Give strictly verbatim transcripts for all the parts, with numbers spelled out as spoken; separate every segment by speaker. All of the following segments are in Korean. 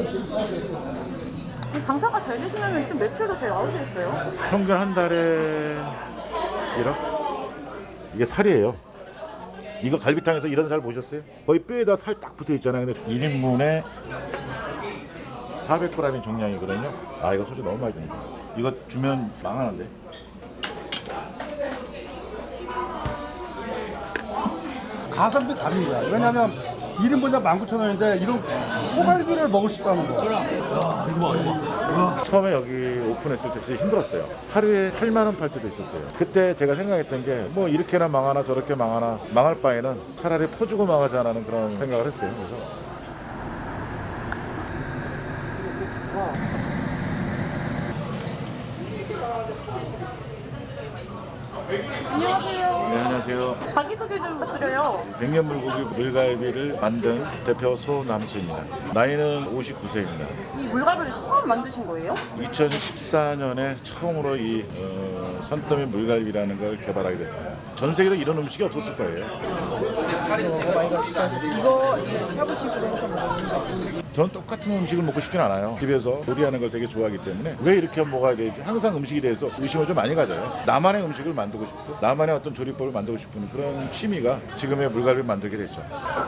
Speaker 1: 장사가 잘 되시면 좀 매출도 잘 나오시겠어요?
Speaker 2: 평균 한 달에 일억? 이게 살이에요. 이거 갈비탕에서 이런 살 보셨어요? 거의 뼈에다 살 딱 붙어 있잖아요. 근데 일 인분에 사백 그램인 정량이거든요. 아, 이거 소주 너무 많이 듭니다. 이거 주면 망하는데.
Speaker 3: 가성비 갑니다. 왜냐면 일 인분당 만 구천 원인데 이런 소갈비를 먹을 수 있다는 거.
Speaker 2: 처음에 여기 오픈했을 때 진짜 힘들었어요. 하루에 팔만 원 팔 때도 있었어요. 그때 제가 생각했던 게 뭐 이렇게나 망하나 저렇게 망하나 망할 바에는 차라리 퍼주고 망하자라는 그런 생각을 했어요. 그래서
Speaker 1: 안녕하세요.
Speaker 2: 네, 안녕하세요.
Speaker 1: 자기소개 좀 부탁드려요.
Speaker 2: 백년물고기 물갈비를 만든 대표 소남수입니다. 나이는 오십구 세입니다.
Speaker 1: 이 물갈비를 처음 만드신 거예요?
Speaker 2: 이천십사 년에 처음으로 이 어, 산더미 물갈비라는 걸 개발하게 됐습니다. 전 세계로 이런 음식이 없었을 거예요.
Speaker 1: 이거 샤브식으로 해서 먹는 거.
Speaker 2: 저는 똑같은 음식을 먹고 싶진 않아요. 집에서 요리하는 걸 되게 좋아하기 때문에 왜 이렇게 먹어야 되지? 항상 음식에 대해서 의심을 좀 많이 가져요. 나만의 음식을 만들고 싶고 나만의 어떤 조리법을 만들고 싶은 그런 취미가 지금의 물갈비를 만들게 됐죠.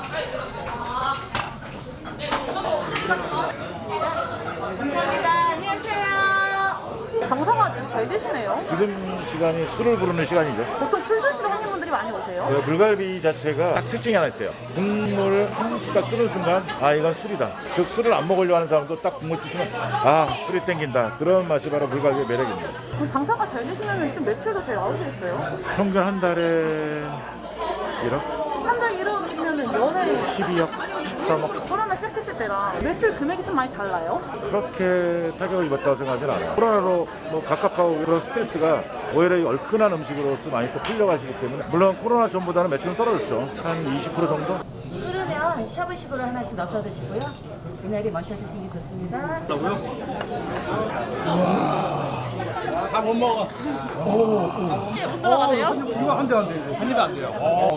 Speaker 1: 장사가 아주 잘 되시네요.
Speaker 2: 지금 시간이 술을 부르는 시간이죠.
Speaker 1: 보통 술 드시러 손님분들이 많이 오세요?
Speaker 2: 그 물갈비 자체가 딱 특징이 하나 있어요. 국물을 한 숟갈 끓는 순간 아 이건 술이다. 즉 술을 안 먹으려 하는 사람도 딱 국물 드시면 아 술이 땡긴다. 그런 맛이 바로 물갈비의 매력입니다.
Speaker 1: 그럼 장사가 잘 되시면 좀 매출도 잘 나오시겠어요?
Speaker 2: 평균 한 달에 일억?
Speaker 1: 한 달 이러면은 연애
Speaker 2: 십이억? 십삼억?
Speaker 1: 코로나 시작했을 때랑 매출 금액이 좀 많이 달라요?
Speaker 2: 그렇게 타격을 입었다고 생각하지는 않아요. 코로나로 뭐 갑갑하고 그런 스트레스가 오히려 이 얼큰한 음식으로서 많이 또 풀려가시기 때문에 물론 코로나 전보다는 매출은 떨어졌죠. 한 이십 퍼센트 정도?
Speaker 4: 끓으면 샤브식으로 하나씩 넣어서 드시고요. 미나리 먼저 드시는 게 좋습니다.
Speaker 3: 다 못 먹어.
Speaker 1: 이게 못 들어가세요?
Speaker 3: 이거 한 대 안 돼. 한 입에 안 돼요.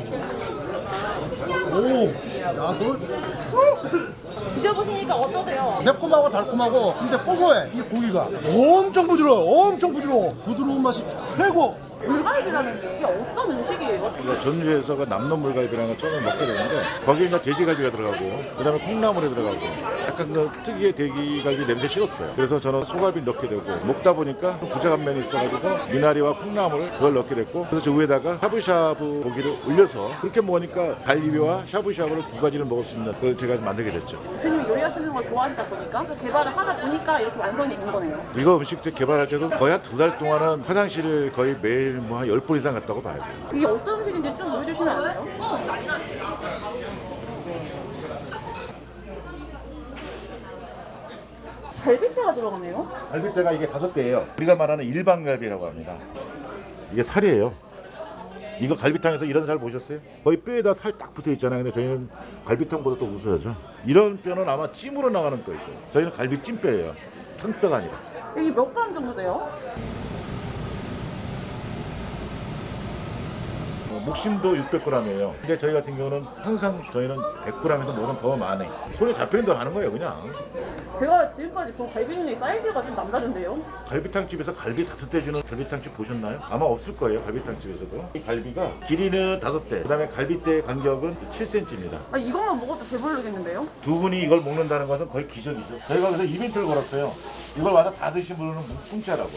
Speaker 3: 오, 야, 너
Speaker 1: 드셔보시니까 어떠세요?
Speaker 3: 매콤하고 달콤하고 근데 고소해. 이 고기가 엄청 부드러워. 엄청 부드러워. 부드러운 맛이 최고.
Speaker 1: 물갈비라는 게 이게 어떤 음식이에요?
Speaker 2: 그러니까 전주에서 그 남놈 물갈비라는 걸 처음에 먹게 되는데 거기에 이제 돼지갈비가 들어가고 그다음에 콩나물이 들어가고 약간 그 특유의 돼지갈비 냄새 싫었어요. 그래서 저는 소갈비 넣게 되고 먹다 보니까 부자간면이 있어가지고 미나리와 콩나물 그걸 넣게 됐고 그래서 저 위에다가 샤브샤브 고기를 올려서 그렇게 먹으니까 갈비와 샤브샤브를 두 가지를 먹을 수 있는 그걸 제가 만들게 됐죠.
Speaker 1: 대표님이 요리하시는 걸 좋아하시다 보니까 또 개발을 하다 보니까 이렇게 완성이 된 거네요.
Speaker 2: 이거 음식 개발할 때도 거의 한 두 달 동안은 화장실을 거의 매일 뭐 한 열 번 이상 갔다고 봐야 돼요.
Speaker 1: 이게 어떤 음식인지 좀 보여주시면 안 돼요? 갈비뼈가 들어가네요?
Speaker 2: 갈비뼈가 이게 다섯 대예요. 우리가 말하는 일반 갈비라고 합니다. 이게 살이에요. 이거 갈비탕에서 이런 살 보셨어요? 거의 뼈에다 살 딱 붙어 있잖아요. 근데 저희는 갈비탕보다 또 우수하죠. 이런 뼈는 아마 찜으로 나가는 뼈이고 저희는 갈비 찜뼈예요. 탕뼈가 아니라.
Speaker 1: 이게 몇 그램 정도 돼요?
Speaker 2: 어, 목심도 육백 그램이에요. 근데 저희 같은 경우는 항상 저희는 백 그램에서 뭐든 더 많이 손에 잡히는 대로 하는 거예요 그냥.
Speaker 1: 제가 지금까지 본 갈비는 사이즈가 좀 남다른데요?
Speaker 2: 갈비탕집에서 갈비 다섯 대 주는 갈비탕집 보셨나요? 아마 없을 거예요 갈비탕집에서도. 이 갈비가 길이는 다섯 대, 그다음에 갈비대의 간격은 칠 센티미터입니다.
Speaker 1: 아, 이것만 먹어도 배부르겠는데요?
Speaker 2: 두 분이 이걸 먹는다는 것은 거의 기적이죠. 저희가 그래서 이벤트를 걸었어요. 이걸 와서 다 드신 분은 공짜라고.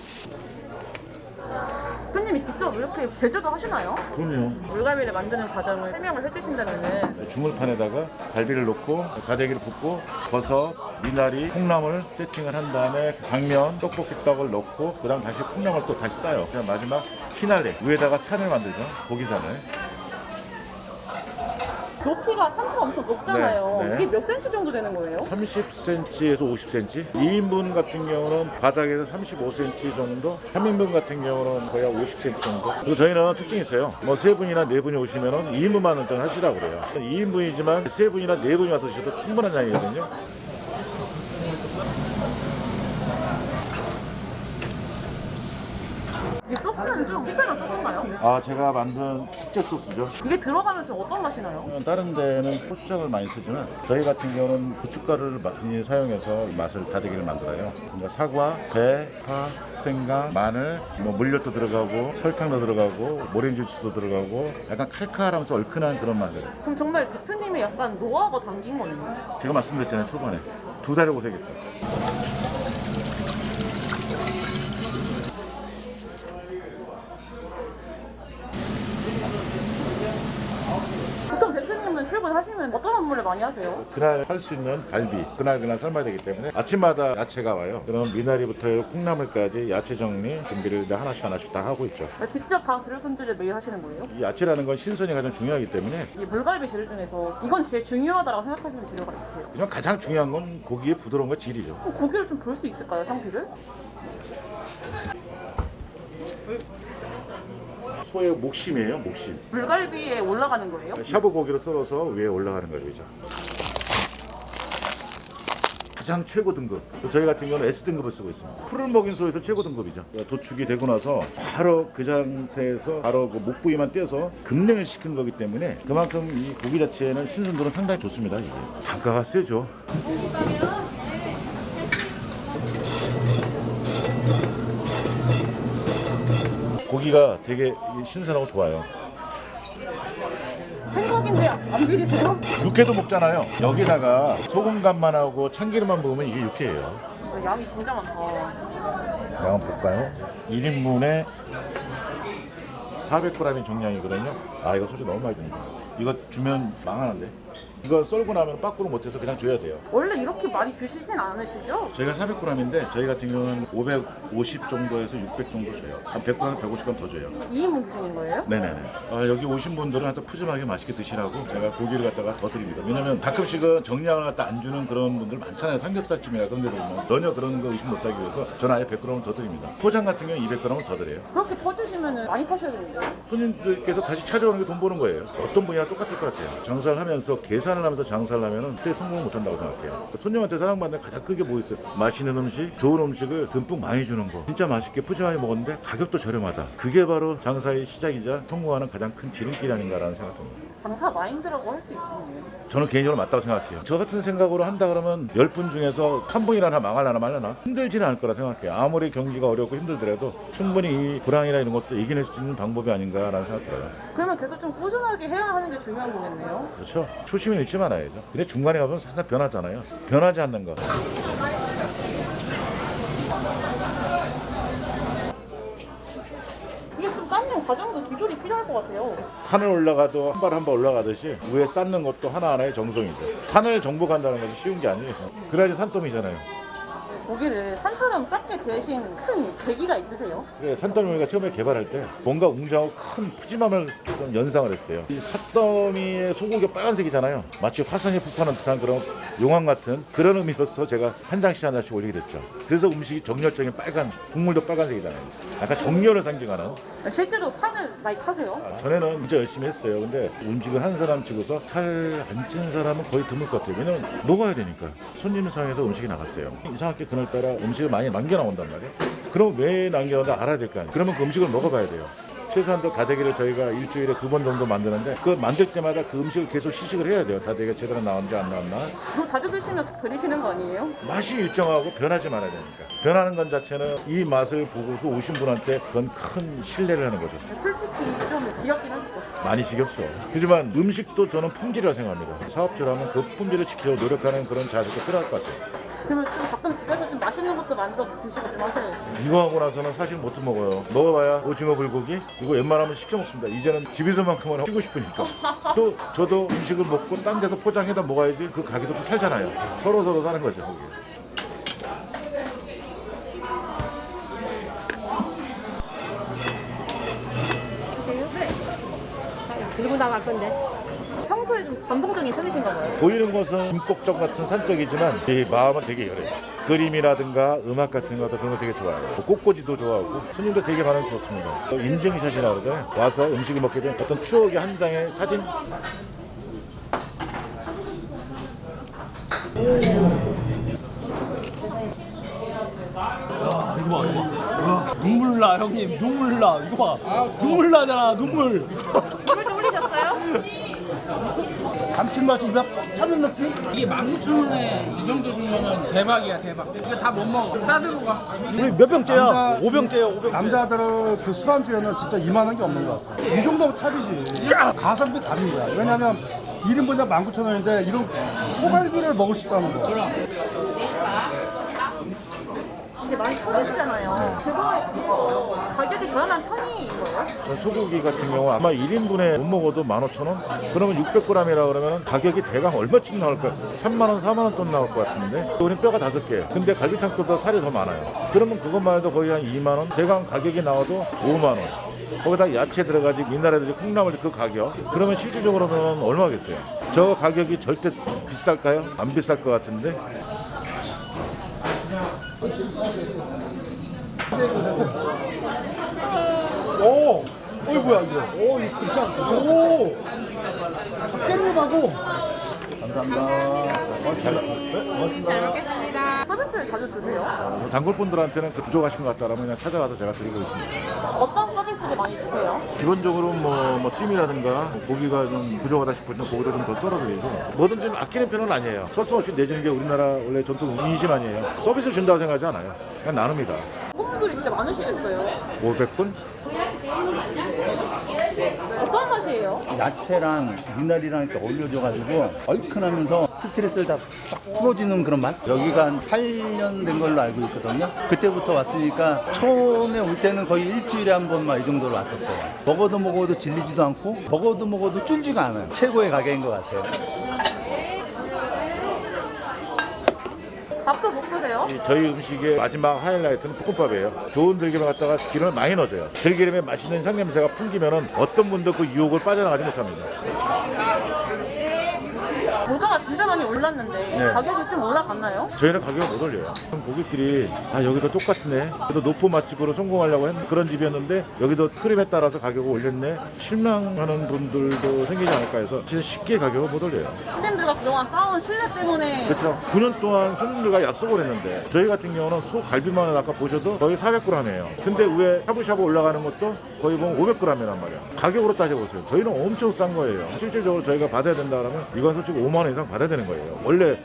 Speaker 1: 대표님이 직접 이렇게 제조도 하시나요?
Speaker 2: 그럼요.
Speaker 1: 물갈비를 만드는 과정을 설명을 해주신다면은
Speaker 2: 주물판에다가 갈비를 넣고 가대기를 붓고 버섯, 미나리, 콩나물 세팅을 한 다음에 당면, 떡볶이 떡을 넣고 그다음 다시 콩나물 또 다시 싸요. 그다음 마지막 피날레 위에다가 산을 만들죠. 고기산을.
Speaker 1: 높이가 상체가 엄청 높잖아요.
Speaker 2: 네, 네.
Speaker 1: 이게 몇 센치 정도 되는 거예요?
Speaker 2: 삼십 센티미터에서 오십 센티미터. 이 인분 같은 경우는 바닥에서 삼십오 센티미터 정도. 삼 인분 같은 경우는 거의 오십 센티미터 정도. 그리고 저희는 특징이 있어요. 뭐 세 분이나 네 분이 오시면은 이 인분만 일단 하시라고 그래요. 이 인분이지만 세 분이나 네 분이 와서 드셔도 충분한 양이거든요.
Speaker 1: 이게 소스는 좀 특별한 소스인가요?
Speaker 2: 아, 제가 만든 특제 소스죠.
Speaker 1: 이게 들어가면 좀 어떤 맛이 나요?
Speaker 2: 다른 데는 고추장을 많이 쓰지만 저희 같은 경우는 고춧가루를 많이 사용해서 맛을 다대기를 만들어요. 그러니까 사과, 배, 파, 생강, 마늘, 뭐 물엿도 들어가고 설탕도 들어가고 모렌지주스도 들어가고 약간 칼칼하면서 얼큰한 그런 맛이에요.
Speaker 1: 그럼 정말 대표님의 약간 노하우가 담긴 거네요.
Speaker 2: 제가 말씀드렸잖아요, 초반에 두 달을 고생했다.
Speaker 1: 보통 대표님은 출근하시면 어떤 업무를 많이 하세요?
Speaker 2: 그날 할 수 있는 갈비 그날 그날 삶아야 되기 때문에 아침마다 야채가 와요. 그럼 미나리부터 콩나물까지 야채 정리 준비를 하나씩 하나씩 다 하고 있죠.
Speaker 1: 직접 다 재료 손질을 매일 하시는 거예요?
Speaker 2: 이 야채라는 건 신선이 가장 중요하기 때문에
Speaker 1: 이 물갈비 재료 중에서 이건 제일 중요하다고 생각하시는 재료가 있으세요?
Speaker 2: 그냥 가장 중요한 건 고기의 부드러움과 질이죠.
Speaker 1: 그럼 고기를 좀 볼 수 있을까요, 상태를?
Speaker 2: 소의 목심이에요, 목심.
Speaker 1: 물갈비에 올라가는 거예요?
Speaker 2: 샤브 고기로 썰어서 위에 올라가는 거죠. 가장 최고 등급. 저희 같은 경우는 에스 등급을 쓰고 있습니다. 풀을 먹인 소에서 최고 등급이죠. 도축이 되고 나서 바로 그 상태에서 바로 그 목 부위만 떼서 급냉을 시킨 거기 때문에 그만큼 이 고기 자체에는 신선도는 상당히 좋습니다. 이게 단가가 세죠. 고기가 되게 신선하고 좋아요.
Speaker 1: 생각인데 안 비리세요?
Speaker 2: 육회도 먹잖아요. 여기다가 소금 간만 하고 참기름만 부으면 이게 육회예요.
Speaker 1: 양이 진짜 많다.
Speaker 2: 양 볼까요? 일 인분에 사백 그램인 정량이거든요. 아, 이거 솔직히 너무 많이 줍니다. 이거 주면 망하는데. 이거 썰고 나면 빠꾸로 못해서 그냥 줘야 돼요.
Speaker 1: 원래 이렇게 많이 주시진 않으시죠?
Speaker 2: 저희가 사백 그램인데 저희 같은 경우는 오백오십 정도에서 육백 정도 줘요. 한 백 그램, 백오십 그램 더 줘요.
Speaker 1: 이 인분 주시는 거예요?
Speaker 2: 네네네. 아, 여기 오신 분들은 하여튼 푸짐하게 맛있게 드시라고 제가 고기를 갖다가 더 드립니다. 왜냐면 가끔씩은 정량을 갖다 안 주는 그런 분들 많잖아요. 삼겹살집이나 그런 데서 보면 전혀 그런 거 의심 못하기 위해서 저는 아예 백 그램을 더 드립니다. 포장 같은 경우는 이백 그램을 더 드려요.
Speaker 1: 그렇게 퍼주시면 많이 파셔야 되는데요?
Speaker 2: 손님들께서 다시 찾아오는 게 돈 버는 거예요. 어떤 분이나 똑같을 것 같아요. 장사를 하면서 계산을 하면서 장사를 하면은 그때 성공을 못 한다고 생각해요. 손님한테 사랑받는 가장 크게 뭐 있어요? 맛있는 음식, 좋은 음식을 듬뿍 많이 주는 거. 진짜 맛있게 푸짐하게 먹었는데 가격도 저렴하다. 그게 바로 장사의 시작이자 성공하는 가장 큰 지름길 아닌가라는 생각입니다.
Speaker 1: 장사 마인드라고 할 수 있겠네요.
Speaker 2: 저는 개인적으로 맞다고 생각해요. 저 같은 생각으로 한다 그러면 열 분 중에서 한 분이라나 망할라나 말라나 힘들지는 않을 거라 생각해요. 아무리 경기가 어렵고 힘들더라도 충분히 이 불황이나 이런 것도 이겨낼 수 있는 방법이 아닌가라는 생각 들어요.
Speaker 1: 그러면 계속 좀 꾸준하게 해야 하는 게 중요한 거겠네요.
Speaker 2: 그렇죠. 초심을 잃지 말아야죠. 근데 중간에 가면 살짝 변하잖아요. 변하지 않는 거.
Speaker 1: 이게 좀 쌓는 과정도 기술이 필요할 것 같아요.
Speaker 2: 산을 올라가도 한 발 한 발 올라가듯이 위에 쌓는 것도 하나하나의 정성이죠. 산을 정복한다는 것이 쉬운 게 아니에요. 그래야지 산더미잖아요.
Speaker 1: 고기를 산처럼 쌓게 되신 큰 계기가 있으세요?
Speaker 2: 그래, 산더미가 처음에 개발할 때 뭔가 웅장하고 큰 푸짐함을 좀 연상을 했어요. 이 산더미의 소고기가 빨간색이잖아요. 마치 화산이 폭발하는 듯한 그런 용암 같은 그런 의미로서 제가 한 장씩 한 장씩 올리게 됐죠. 그래서 음식이 정열적인 빨간, 국물도 빨간색이잖아요. 약간 정열을 상징하는.
Speaker 1: 실제로 산을 많이 타세요?
Speaker 2: 아, 전에는 진짜 열심히 했어요. 근데 음식을 한 사람 치고서 살 안 찐 사람은 거의 드물 것 같아요. 왜냐면 녹아야 되니까. 손님 상에서 음식이 나갔어요. 이상하게 그날따라 음식을 많이 남겨 나온단 말이에요. 그럼 왜 남겨놨는지 알아야 될 거 아니에요. 그러면 그 음식을 먹어봐야 돼요. 최소한도 다대기를 저희가 일주일에 두 번 정도 만드는데 그 만들 때마다 그 음식을 계속 시식을 해야 돼요. 다대기가 제대로 나왔는지 안 나왔나.
Speaker 1: 그거 자주 드시면서 그리시는 거 아니에요?
Speaker 2: 맛이 일정하고 변하지 말아야 되니까. 변하는 건 자체는 이 맛을 보고서 오신 분한테 그건 큰 신뢰를 하는 거죠.
Speaker 1: 솔직히 좀 지겹긴 하죠.
Speaker 2: 많이 지겹죠. 하지만 음식도 저는 품질이라고 생각합니다. 사업주라면 그 품질을 지키려고 노력하는 그런 자세가 필요할 것 같아요.
Speaker 1: 그러면 좀 가끔 집에서 좀 맛있는 것도 만들어 드시고 좀 하세요.
Speaker 2: 이거 하고 나서는 사실 못 먹어요. 먹어봐야 오징어 불고기 이거 웬만하면 시켜 먹습니다. 이제는 집에서만큼은 쉬고 싶으니까. 또 저도 음식을 먹고 딴 데서 포장해다 먹어야지 그 가게도 또 살잖아요. 서로 서로 사는 거죠. 거기.
Speaker 4: 들고 나갈 건데.
Speaker 1: 평소에 좀 감성적인 편이신가 봐요.
Speaker 2: 보이는 것은 김꼭정 같은 산적이지만 제 마음은 되게 열해요. 그림이라든가 음악 같은 것도 그런 거 되게 좋아해요. 꽃꽂이도 좋아하고 손님도 되게 반응 좋습니다. 또 인증샷이라고 그러잖아요. 와서 음식을 먹게 된 어떤 추억의 한 장의 사진.
Speaker 3: 이거 봐, 이거 봐. 눈물 나. 나 형님 눈물 나 이거 봐 눈물 나잖아 눈물
Speaker 1: 물좀 올리셨어요?
Speaker 3: 감칠맛이 막 차는 느낌?
Speaker 5: 이게 만 구천 원에 이 정도 주면은 대박이야 대박. 이거 다 못 먹어. 싸들고 가.
Speaker 3: 우리 몇 병째야? 오 병째야 오 병째 남자들은 그 술안주에는 진짜 이만한 게 없는 것 같아 이 정도면 탑이지 가성비 갑니다 왜냐면 일 인분당 만 구천 원인데 이런 소갈비를 먹을 수 있다는 거
Speaker 1: 이제 많이 터지잖아요. 그거 가격이 저렴한 편인 거예요?
Speaker 2: 전 소고기 같은 경우 아마 일 인분에 못 먹어도 만 오천 원? 그러면 육백 그램이라 그러면 가격이 대강 얼마쯤 나올 거야? 삼만 원, 사만 원 돈 나올 것 같은데 우리 뼈가 다섯 개 근데 갈비탕보다 살이 더 많아요. 그러면 그것만 해도 거의 한 이만 원? 대강 가격이 나와도 오만 원. 거기다 야채 들어가지 미나리들이 콩나물 그 가격 그러면 실질적으로는 얼마겠어요? 저 가격이 절대 비쌀까요? 안 비쌀 것 같은데
Speaker 3: 오! 어이 뭐야 이거 오 이거 진짜 오! 깻잎하고
Speaker 1: 서비스를 자주 주세요?
Speaker 2: 단골분들한테는 그 부족하신 것 같다라면 그냥 찾아가서 제가 드리고 있습니다.
Speaker 1: 어떤 서비스를 많이 주세요?
Speaker 2: 기본적으로 뭐, 뭐 찜이라든가 고기가 좀 부족하다 싶을 때 고기도 좀 더 썰어드리고 뭐든 좀 아끼는 편은 아니에요. 서슴없이 내주는 게 우리나라 원래 전통 인심 아니에요. 서비스 준다고 생각하지 않아요. 그냥 나눕니다.
Speaker 1: 손님들이 진짜 많으시겠어요?
Speaker 2: 오백 분?
Speaker 1: 어떤 맛이에요?
Speaker 6: 야채랑 미나리랑 이렇게 올려줘가지고 얼큰하면서 스트레스를 다 쫙 풀어주는 그런 맛? 여기가 한 팔 년 된 걸로 알고 있거든요. 그때부터 왔으니까 처음에 올 때는 거의 일주일에 한 번만 이 정도로 왔었어요. 먹어도 먹어도 질리지도 않고 먹어도 먹어도 줄지가 않아요. 최고의 가게인 것 같아요.
Speaker 1: 밥도 못 드세요?
Speaker 2: 이 저희 음식의 마지막 하이라이트는 볶음밥이에요. 좋은 들기름 갖다가 기름을 많이 넣어줘요. 들기름에 맛있는 향냄새가 풍기면은 어떤 분도 그 유혹을 빠져나가지 못합니다.
Speaker 1: 물가가 진짜 많이 올랐는데
Speaker 2: 네.
Speaker 1: 가격이 좀 올라갔나요?
Speaker 2: 저희는 가격을 못 올려요. 고객들이 아 여기도 똑같네. 그래도 노포 맛집으로 성공하려고 했 그런 집이었는데 여기도 흐름에 따라서 가격을 올렸네. 실망하는 분들도 생기지 않을까 해서 진짜 쉽게 가격을 못 올려요.
Speaker 1: 손님들과 그동안 쌓은 신뢰 때문에
Speaker 2: 그렇죠. 구 년 동안 손님들과 약속을 했는데 저희 같은 경우는 소 갈비만을 아까 보셔도 거의 사백 그램이에요. 근데 위에 샤브샤브 올라가는 것도 거의 보면 오백 그램이란 말이야. 가격으로 따져보세요. 저희는 엄청 싼 거예요. 실질적으로 저희가 받아야 된다 그러면 이건 솔직히 오만 원 이상 받아야 되는 거예요. 원래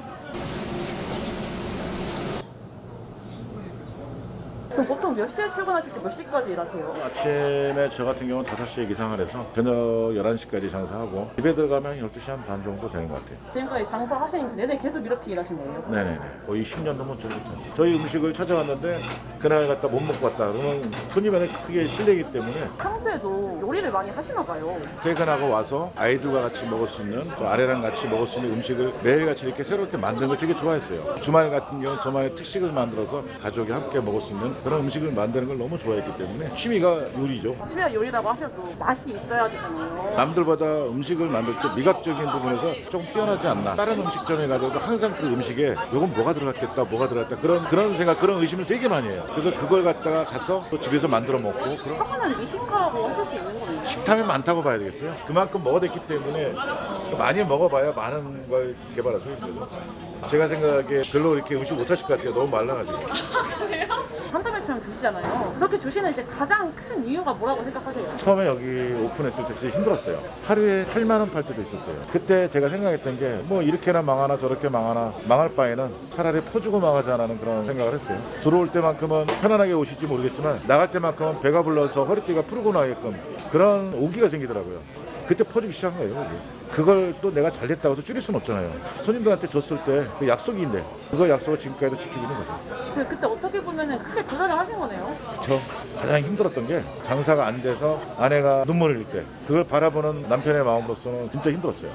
Speaker 1: 그럼 보통 몇 시에 출근하실지 몇 시까지 일하세요?
Speaker 2: 아침에 저 같은 경우는 다섯 시에 기상을 해서 저녁 열한 시까지 장사하고 집에 들어가면 열두 시 한 반 정도 되는 것 같아요.
Speaker 1: 지금까지 장사하시는 내내 계속 이렇게 일하신 거예요?
Speaker 2: 네네네. 거의 십 년 넘은 전부터. 저희 음식을 찾아왔는데 그날 갔다 못 먹고 왔다 그러면 손님한테 크게 실례이기 때문에
Speaker 1: 평소에도 요리를 많이 하시나 봐요.
Speaker 2: 퇴근하고 와서 아이들과 같이 먹을 수 있는 또 아내랑 같이 먹을 수 있는 음식을 매일같이 이렇게 새롭게 만드는 걸 되게 좋아했어요. 주말 같은 경우는 저만의 특식을 만들어서 가족이 함께 먹을 수 있는 그런 음식을 만드는 걸 너무 좋아했기 때문에 취미가 요리죠.
Speaker 1: 집에 요리라고 하셔도 맛이 있어야 되잖아요.
Speaker 2: 남들보다 음식을 만들 때 미각적인 부분에서 조금 뛰어나지 않나. 다른 음식점에 가도 항상 그 음식에 이건 뭐가 들어갔겠다 뭐가 들어갔다 그런 그런 생각 그런 의심을 되게 많이 해요. 그래서 그걸 갖다가 가서 또 집에서 만들어 먹고 그런
Speaker 1: 하나는 미식가라고 하실 수 있는 거예요.
Speaker 2: 식탐이 많다고 봐야 되겠어요. 그만큼 먹어댔기 때문에 많이 먹어봐야 많은 걸 개발할 수 있어요. 제가 생각하기에 별로 이렇게 음식 못하실 것 같아요. 너무 말라가지고.
Speaker 1: 한달매처럼 주시잖아요. 그렇게 주시는 이제 가장 큰 이유가 뭐라고 생각하세요?
Speaker 2: 처음에 여기 오픈했을 때 진짜 힘들었어요. 하루에 팔만 원 팔 때도 있었어요. 그때 제가 생각했던 게 뭐 이렇게나 망하나 저렇게 망하나 망할 바에는 차라리 퍼주고 망하자라는 그런 생각을 했어요. 들어올 때만큼은 편안하게 오실지 모르겠지만 나갈 때만큼은 배가 불러서 허리띠가 푸르고 나게끔 그런 오기가 생기더라고요. 그때 퍼주기 시작한 거예요. 그게. 그걸 또 내가 잘 됐다고 해서 줄일 수는 없잖아요. 손님들한테 줬을 때 그 약속인데 그거 약속을 지금까지도 지키고 있는 거죠.
Speaker 1: 그- 그때 어떻게 보면 크게 도전을 하신 거네요.
Speaker 2: 저 가장 힘들었던 게 장사가 안 돼서 아내가 눈물을 흘릴 때 그걸 바라보는 남편의 마음으로서는 진짜 힘들었어요.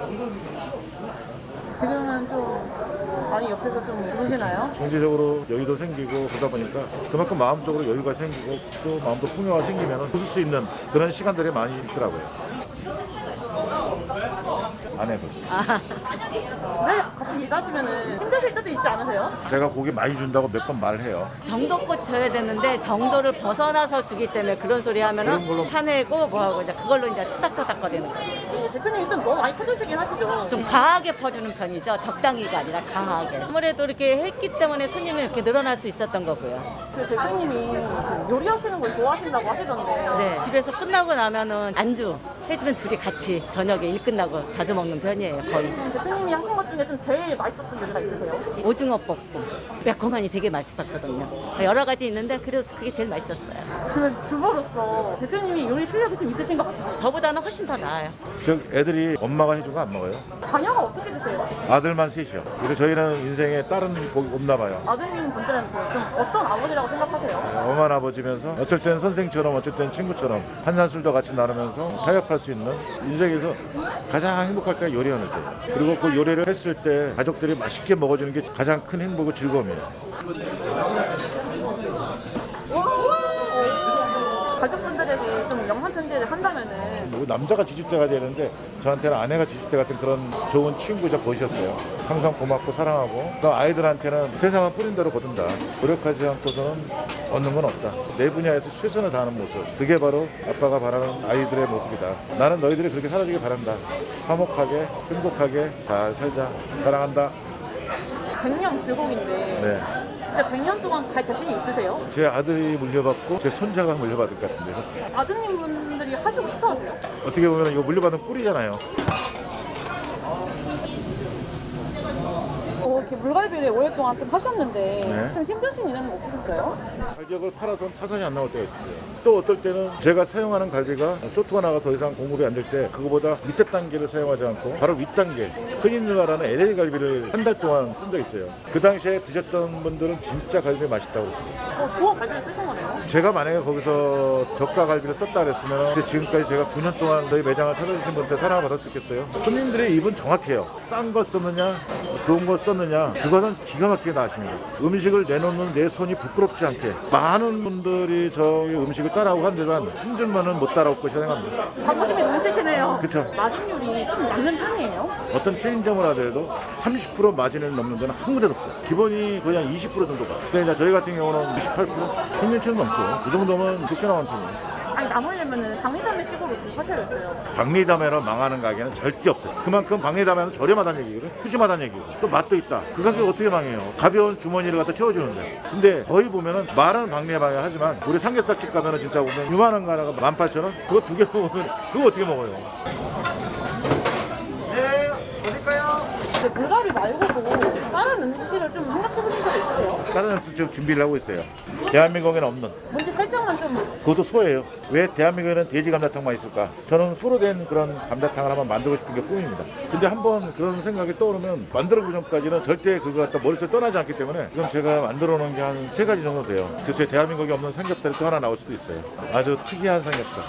Speaker 1: 지금은 좀 많이 옆에서 좀 누르시나요?
Speaker 2: 경제적으로 여유도 생기고 그러다 보니까 그만큼 마음적으로 여유가 생기고 또 마음도 풍요가 생기면 웃을 수 있는 그런 시간들이 많이 있더라고요. 안 해도.
Speaker 1: 네, 같이 일하시면은 힘드실 때도 있지 않으세요?
Speaker 2: 제가 고기 많이 준다고 몇 번 말해요.
Speaker 4: 정도껏 줘야 되는데 정도를 벗어나서 주기 때문에 그런 소리 하면은 화내고 뭐하고 이제 그걸로 이제 투닥투닥거리는 거예요.
Speaker 1: 대표님이 좀 너무 많이 퍼주시긴 하시죠?
Speaker 4: 좀 과하게 퍼주는 편이죠. 적당히가 아니라 강하게. 아무래도 이렇게 했기 때문에 손님이 이렇게 늘어날 수 있었던 거고요.
Speaker 1: 그 대표님이 그 요리하시는 걸 좋아하신다고 하시던데.
Speaker 4: 네, 집에서 끝나고 나면은 안주 해주면 둘이 같이 저녁에 일 끝나고 자주 먹는 편이에요. 거의.
Speaker 1: 대표님이 하신 것 중에 좀 제일 맛있었던 요리가 있으세요?
Speaker 4: 오징어 볶음, 매콤하니 되게 맛있었거든요. 여러 가지 있는데 그래도 그게 제일 맛있었어요.
Speaker 1: 그 주부로서 대표님이 요리 실력이 좀 있으신 것 같아요.
Speaker 4: 저보다는 훨씬 더 나아요.
Speaker 2: 저 애들이 엄마가 해준 거 안 먹어요.
Speaker 1: 자녀가 어떻게 되세요?
Speaker 2: 아들만 셋이요. 그래서 저희는 인생에 다른 복이 없나 봐요.
Speaker 1: 아드님 분들한테 좀 어떤 아버지라고 생각하세요?
Speaker 2: 엄한 아버지면서 어쩔 땐 선생처럼 어쩔 땐 친구처럼 한잔술도 같이 나누면서 타협할 수 있는 인생에서 가장 행복할 때가 요리하는 때. 그리고 그 요리를 했을 때 가족들이 맛있게 먹어주는 게 가장 큰 행복이고 즐거움이에요.
Speaker 1: 가족분들에게 좀 영상 편지를 한다면은
Speaker 2: 뭐 남자가 지집대가 되는데 저한테는 아내가 지집대 같은 그런 좋은 친구자 보이셨어요. 항상 고맙고 사랑하고 또 아이들한테는 세상은 뿌린 대로 거둔다. 노력하지 않고서는 얻는 건 없다. 내 분야에서 최선을 다하는 모습. 그게 바로 아빠가 바라는 아이들의 모습이다. 나는 너희들이 그렇게 살아주길 바란다. 화목하게 행복하게 잘 살자. 사랑한다.
Speaker 1: 백 년 불공인데
Speaker 2: 네.
Speaker 1: 진짜 백 년 동안 갈 자신이 있으세요?
Speaker 2: 제 아들이 물려받고 제 손자가 물려받을 것 같은데요.
Speaker 1: 아드님 분들이 하시고 싶어 하세요?
Speaker 2: 어떻게 보면 이거 물려받은 꿀이잖아요.
Speaker 1: 어, 이렇게 물갈비를 오랫동안 좀 하셨는데
Speaker 2: 네.
Speaker 1: 좀 힘드신 일은 없으셨어요?
Speaker 2: 가격을 팔아서 타산이 안 나올 때가 있어요. 또 어떨 때는 제가 사용하는 갈비가 쇼트가 나가 더 이상 공급이 안 될 때 그거보다 밑에 단계를 사용하지 않고 바로 윗 단계 흔히 말하는 엘에이 갈비를 한 달 동안 쓴 적이 있어요. 그 당시에 드셨던 분들은 진짜 갈비 맛있다고 그랬어요.
Speaker 1: 어, 좋은 갈비를 쓰신 거네요?
Speaker 2: 제가 만약에 거기서 저가 갈비를 썼다 그랬으면 이제 지금까지 제가 구 년 동안 저희 매장을 찾아주신 분한테 사랑을 받을 수 있겠어요? 손님들의 입은 정확해요. 싼 거 썼느냐 좋은 거 썼느냐 그거는 기가 막히게 나십니다. 음식을 내놓는 내 손이 부끄럽지 않게 많은 분들이 저희 음식을 따라오고 하지만 한 줄만은 못 따라올 것이라 생각합니다.
Speaker 1: 자부심이 넘치시네요.
Speaker 2: 그쵸.
Speaker 1: 마진 요리 좀 맞는 편이에요?
Speaker 2: 어떤 체인점을 하더라도 삼십 퍼센트 마진을 넘는 데는 한 군데도 없어요. 기본이 거의 한 이십 퍼센트 정도가. 근데 이제 저희 같은 경우는 이십팔 퍼센트 평균치는 넘죠. 그 정도면 좋게 나온 편이에요.
Speaker 1: 아니 남으려면은 방리담의 식으로 좀 하셔야겠어요.
Speaker 2: 박리담회로 망하는 가게는 절대 없어요. 그만큼 박리담회는 저렴하다는 얘기거든. 푸짐하다는 얘기고 또 맛도 있다. 그 가격 어떻게 망해요? 가벼운 주머니를 갖다 채워주는데. 근데 거의 보면은 말은 박리담회 하지만 우리 삼겹살집 가면은 진짜 보면 요만한 거 하나가 만 팔천 원? 그거 두 개 먹으면 그거 어떻게 먹어요?
Speaker 1: 근데 물갈비 말고도 다른 음식을 좀 생각해보신 적 있으세요?
Speaker 2: 다른 음식 지금 준비를 하고 있어요. 대한민국에는 없는.
Speaker 1: 뭔지 살짝만 좀
Speaker 2: 그것도 소예요. 왜 대한민국에는 돼지 감자탕만 있을까? 저는 소로 된 그런 감자탕을 한번 만들고 싶은 게 꿈입니다. 근데 한번 그런 생각이 떠오르면 만들어보기 전까지는 절대 그거 갖다 머릿속에 떠나지 않기 때문에 지금 제가 만들어 놓은 게 한 세 가지 정도 돼요. 글쎄 대한민국에 없는 삼겹살이 또 하나 나올 수도 있어요. 아주 특이한 삼겹살.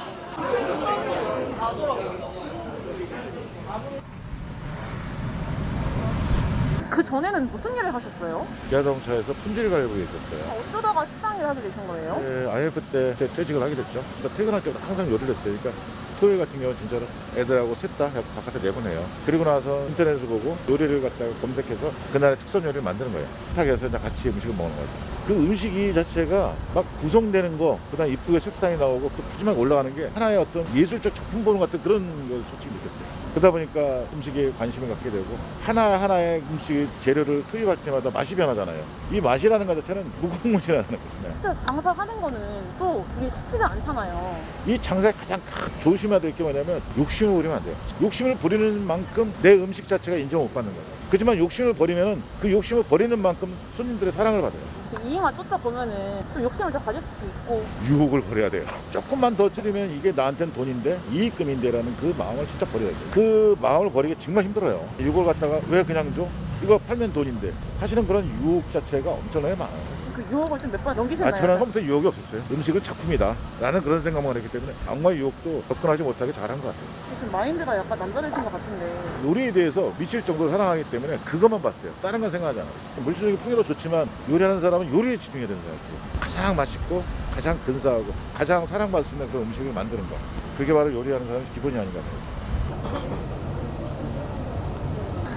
Speaker 1: 그 전에는 무슨 일을 하셨어요?
Speaker 2: 기아자동차에서 품질관리부에 있었어요.
Speaker 1: 어쩌다가 식당 일을 하게 되신 거예요?
Speaker 2: 네, 아이에프 때 퇴직을 하게 됐죠. 그러니까 퇴근할 때마다 항상 요리를 했어요. 그러니까 토요일 같은 경우는 진짜로 애들하고 셋 다 바깥에 내보내요. 그리고 나서 인터넷을 보고 요리를 갖다가 검색해서 그날의 특선 요리를 만드는 거예요. 식탁에서 이제 같이 음식을 먹는 거죠. 그 음식이 자체가 막 구성되는 거, 그다음 이쁘게 색상이 나오고 또 푸짐하게 올라가는 게 하나의 어떤 예술적 작품 보는 것 같은 그런 걸 솔직히 느꼈어요. 그러다 보니까 음식에 관심을 갖게 되고 하나하나의 음식 재료를 투입할 때마다 맛이 변하잖아요. 이 맛이라는 것 자체는 무궁무진하다는 거죠.
Speaker 1: 진짜 장사하는 거는 또 우리 쉽지가 않잖아요.
Speaker 2: 이 장사에 가장 큰 조심해야 될 게 뭐냐면 욕심을 부리면 안 돼요. 욕심을 부리는 만큼 내 음식 자체가 인정을 못 받는 거예요. 그렇지만 욕심을 버리면 그 욕심을 버리는 만큼 손님들의 사랑을 받아요.
Speaker 1: 이익만 쫓다 보면은 좀 욕심을 더 가질 수도 있고.
Speaker 2: 유혹을 버려야 돼요. 조금만 더 줄이면 이게 나한테는 돈인데 이익금인데라는 그 마음을 진짜 버려야 돼요. 그 마음을 버리기 정말 힘들어요. 이걸 갖다가 왜 그냥 줘? 이거 팔면 돈인데 하시는 그런 유혹 자체가 엄청나게 많아요.
Speaker 1: 그 유혹을 좀 몇 번 넘기셨나요?
Speaker 2: 아, 저는 처음부터 유혹이 없었어요. 음식은 작품이다 라는 그런 생각만 했기 때문에 악마의 유혹도 접근하지 못하게 잘한 것 같아요.
Speaker 1: 좀 마인드가 약간 남다르신 것 같은데.
Speaker 2: 요리에 대해서 미칠 정도로 사랑하기 때문에 그것만 봤어요. 다른 건 생각하지 않았어요. 물질적인 풍요도 좋지만 요리하는 사람은 요리에 집중해야 된다고 생각해요. 가장 맛있고 가장 근사하고 가장 사랑받을 수 있는 그런 음식을 만드는 거. 그게 바로 요리하는 사람의 기본이 아닌가 봐요.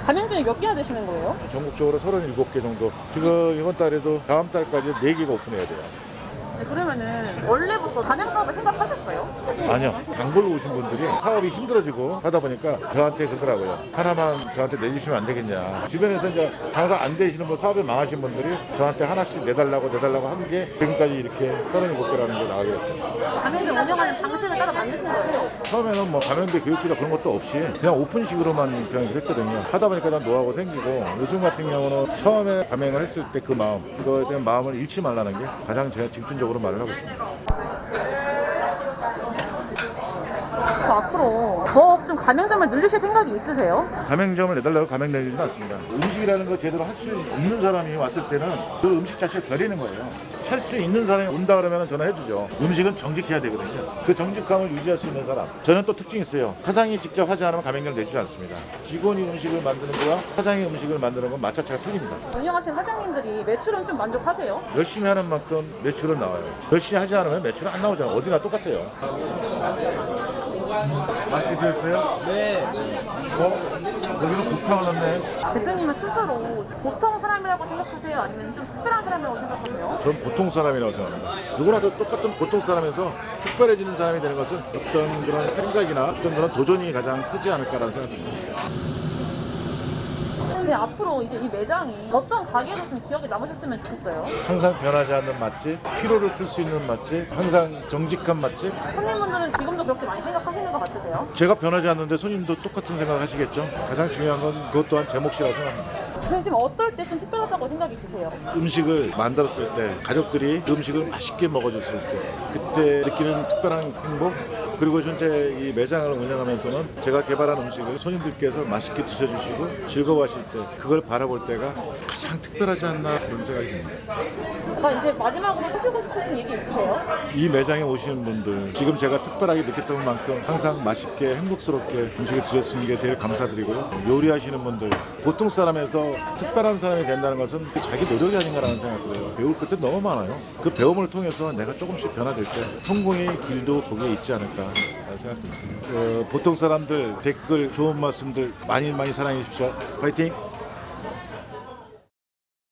Speaker 1: 가맹점이 몇 개나 되시는 거예요?
Speaker 2: 전국적으로 서른일곱 개 정도. 지금 이번 달에도 다음 달까지 네 개가 오픈해야 돼요.
Speaker 1: 네, 그러면은 원래부터 가맹 사업을 생각하셨어요?
Speaker 2: 아니요. 단골로 오신 분들이 사업이 힘들어지고 하다 보니까 저한테 그러더라고요. 하나만 저한테 내주시면 안 되겠냐. 주변에서 이제 장사 안 되시는 분, 사업이 망하신 분들이 저한테 하나씩 내달라고 내달라고 한 게 지금까지 이렇게 서른일곱 개라는 게 나가게 됐죠.
Speaker 1: 가맹점 운영하는 방식을 따로 만드신 거예요?
Speaker 2: 처음에는 뭐 가맹대 교육비나 그런 것도 없이 그냥 오픈식으로만 그냥 그랬거든요. 하다 보니까 난 노하우가 생기고 요즘 같은 경우는 처음에 가맹을 했을 때 그 마음, 그거에 대한 마음을 잃지 말라는 게 가장 제가 집중적으로 말을 하고 있습니다.
Speaker 1: 저 앞으로 더 좀 가맹점을 늘리실 생각이 있으세요?
Speaker 2: 가맹점을 내달라고 가맹 내리지는 않습니다. 음식이라는 거 제대로 할 수 있는 사람이 왔을 때는 그 음식 자체를 버리는 거예요. 할 수 있는 사람이 온다 그러면 전화해주죠. 음식은 정직해야 되거든요. 그 정직함을 유지할 수 있는 사람. 저는 또 특징이 있어요. 사장이 직접 하지 않으면 가맹점 내주지 않습니다. 직원이 음식을 만드는 거와 사장이 음식을 만드는 건 마차차가 틀립니다.
Speaker 1: 운영하시는 사장님들이 매출은 좀 만족하세요?
Speaker 2: 열심히 하는 만큼 매출은 나와요. 열심히 하지 않으면 매출은 안 나오잖아요. 어디나 똑같아요. 맛있게 드셨어요?
Speaker 5: 네.
Speaker 2: 어? 여기는 곱창을 넣네.
Speaker 1: 대표님은 스스로 보통 사람이라고 생각하세요? 아니면 좀 특별한 사람이라고 생각하세요?
Speaker 2: 전 보통 사람이라고 생각합니다. 누구나 다 똑같은 보통 사람에서 특별해지는 사람이 되는 것은 어떤 그런 생각이나 어떤 그런 도전이 가장 크지 않을까라는 생각이 듭니다.
Speaker 1: 근데 앞으로 이제 이 매장이 어떤 가게로 좀 기억에 남으셨으면 좋겠어요?
Speaker 2: 항상 변하지 않는 맛집, 피로를 풀 수 있는 맛집, 항상 정직한 맛집.
Speaker 1: 손님분들은 지금도 그렇게 많이 생각하시는 것 같으세요?
Speaker 2: 제가 변하지 않는데 손님도 똑같은 생각 하시겠죠? 가장 중요한 건 그것 또한 제 몫이라고 생각합니다.
Speaker 1: 근데 지금 어떨 때 좀 특별하다고 생각이 드세요?
Speaker 2: 음식을 만들었을 때, 가족들이 그 음식을 맛있게 먹어줬을 때, 그때 느끼는 특별한 행복, 그리고 현재 이 매장을 운영하면서는 제가 개발한 음식을 손님들께서 맛있게 드셔주시고 즐거워하실 때, 그걸 바라볼 때가 가장 특별하지 않나 그런 생각이 듭니다.
Speaker 1: 아, 이제 마지막으로 하시고 싶으신 얘기 있으세요?
Speaker 2: 이 매장에 오시는 분들, 지금 제가 특별하게 느꼈던 만큼 항상 맛있게 행복스럽게 음식을 드셨는 게 제일 감사드리고요. 요리하시는 분들, 보통 사람에서 특별한 사람이 된다는 것은 자기 노력이 아닌가라는 생각이 들어요. 배울 것도 너무 많아요. 그 배움을 통해서 내가 조금씩 변화될 때 성공의 길도 거기에 있지 않을까 생각합니다. 어, 보통 사람들 댓글 좋은 말씀들 많이 많이 사랑해 주십시오. 파이팅!